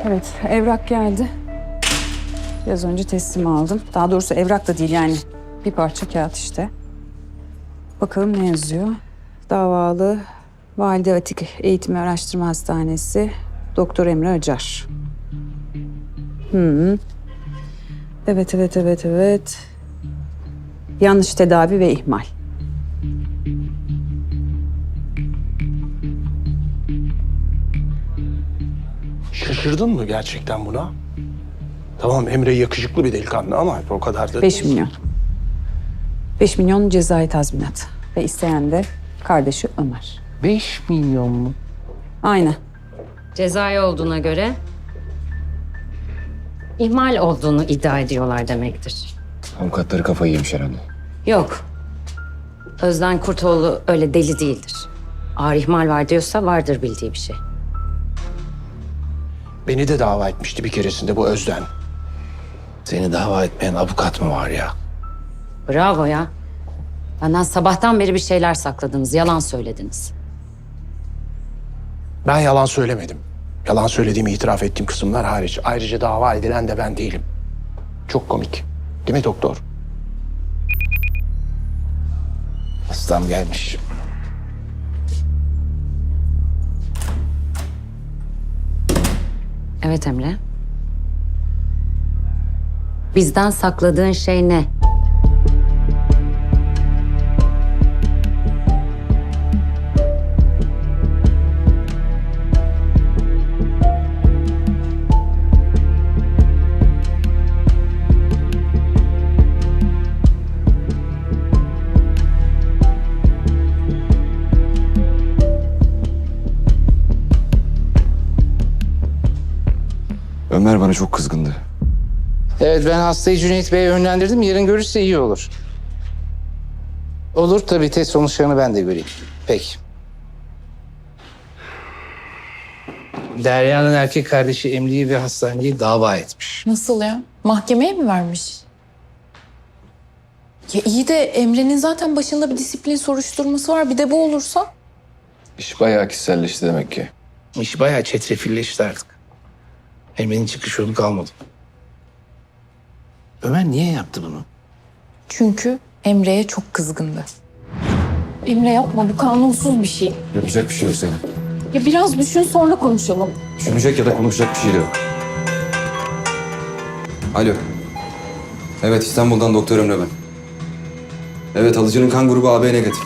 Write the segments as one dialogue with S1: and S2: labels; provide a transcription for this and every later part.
S1: Evet, evrak geldi. Biraz önce teslim aldım. Daha doğrusu evrak da değil yani. Bir parça kağıt işte. Bakalım ne yazıyor? Davalı Valide Atik Eğitim ve Araştırma Hastanesi Doktor Emre Acar. Evet. Yanlış tedavi ve ihmal.
S2: Şaşırdın mı gerçekten buna? Tamam, Emre yakışıklı bir delikanlı ama o kadar da...
S1: 5 milyon. 5 milyon cezai tazminat. Ve isteyen de kardeşi Ömer.
S3: 5 milyon mu?
S1: Aynen.
S4: Cezai olduğuna göre ihmal olduğunu iddia ediyorlar demektir.
S3: Avukatları kafayı yemiş herhalde.
S4: Yok. Özden Kurtoğlu öyle deli değildir. Ağır ihmal var diyorsa vardır bildiği bir şey.
S2: Beni de dava etmişti bir keresinde bu Özden. Seni dava etmeyen avukat mı var ya?
S4: Bravo ya. Benden sabahtan beri bir şeyler sakladınız, yalan söylediniz.
S2: Ben yalan söylemedim. Yalan söylediğimi itiraf ettiğim kısımlar hariç. Ayrıca dava edilen de ben değilim. Çok komik. Değil mi doktor? Hastam gelmiş.
S4: Evet Emre. Bizden sakladığın şey ne?
S3: Ömer bana çok kızgındı.
S5: Evet, ben hastayı Cüneyt Bey'e yönlendirdim. Yarın görürse iyi olur. Olur tabii, test sonuçlarını ben de göreyim. Peki. Derya'nın erkek kardeşi Emre'yi ve hastaneyi dava etmiş.
S6: Nasıl ya? Mahkemeye mi vermiş? Ya iyi de Emre'nin zaten başında bir disiplin soruşturması var. Bir de bu olursa?
S3: İş bayağı kişiselleşti demek ki.
S5: İş bayağı çetrefilleşti artık. Emre'nin çıkış yolu kalmadı. Ömer niye yaptı bunu?
S6: Çünkü Emre'ye çok kızgındı. Emre yapma, bu kanunsuz bir şey.
S3: Yapacak bir şey yok senin.
S6: Ya biraz düşün, sonra konuşalım.
S3: Düşünecek ya da konuşacak bir şey de yok. Alo. Evet, İstanbul'dan Doktor Emre ben. Evet, alıcının kan grubu AB negatif.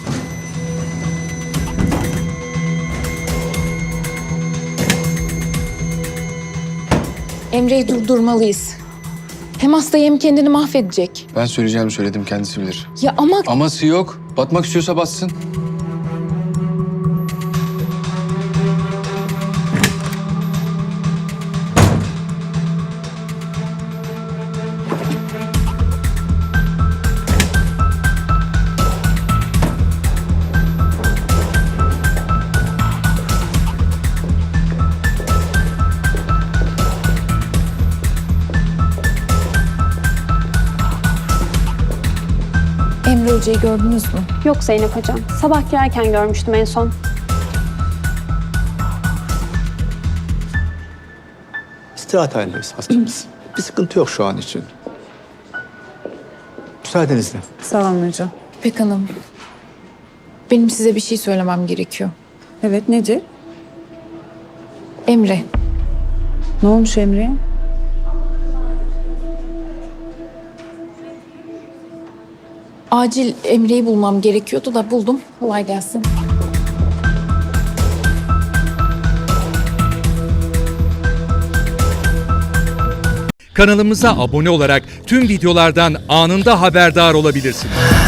S6: Emre'yi durdurmalıyız. Hem hastayı hem kendini mahvedecek.
S7: Ben söyleyeceğimi söyledim, kendisi bilir.
S6: Ya ama
S7: Aması yok. Batmak istiyorsa batsın.
S6: Emre Hoca'yı gördünüz mü?
S8: Yok Zeynep Hocam. Sabah girerken görmüştüm en son.
S9: İstirahat halindeyiz hastamız. Bir sıkıntı yok şu an için. Müsaadenizle.
S1: Sağ olun hocam.
S6: İpek Hanım, benim size bir şey söylemem gerekiyor.
S1: Evet, nedir?
S6: Emre,
S1: Ne olmuş Emre'ye?
S6: acil Emre'yi bulmam gerekiyordu da buldum. Kolay gelsin.
S10: Kanalımıza abone olarak tüm videolardan anında haberdar olabilirsiniz.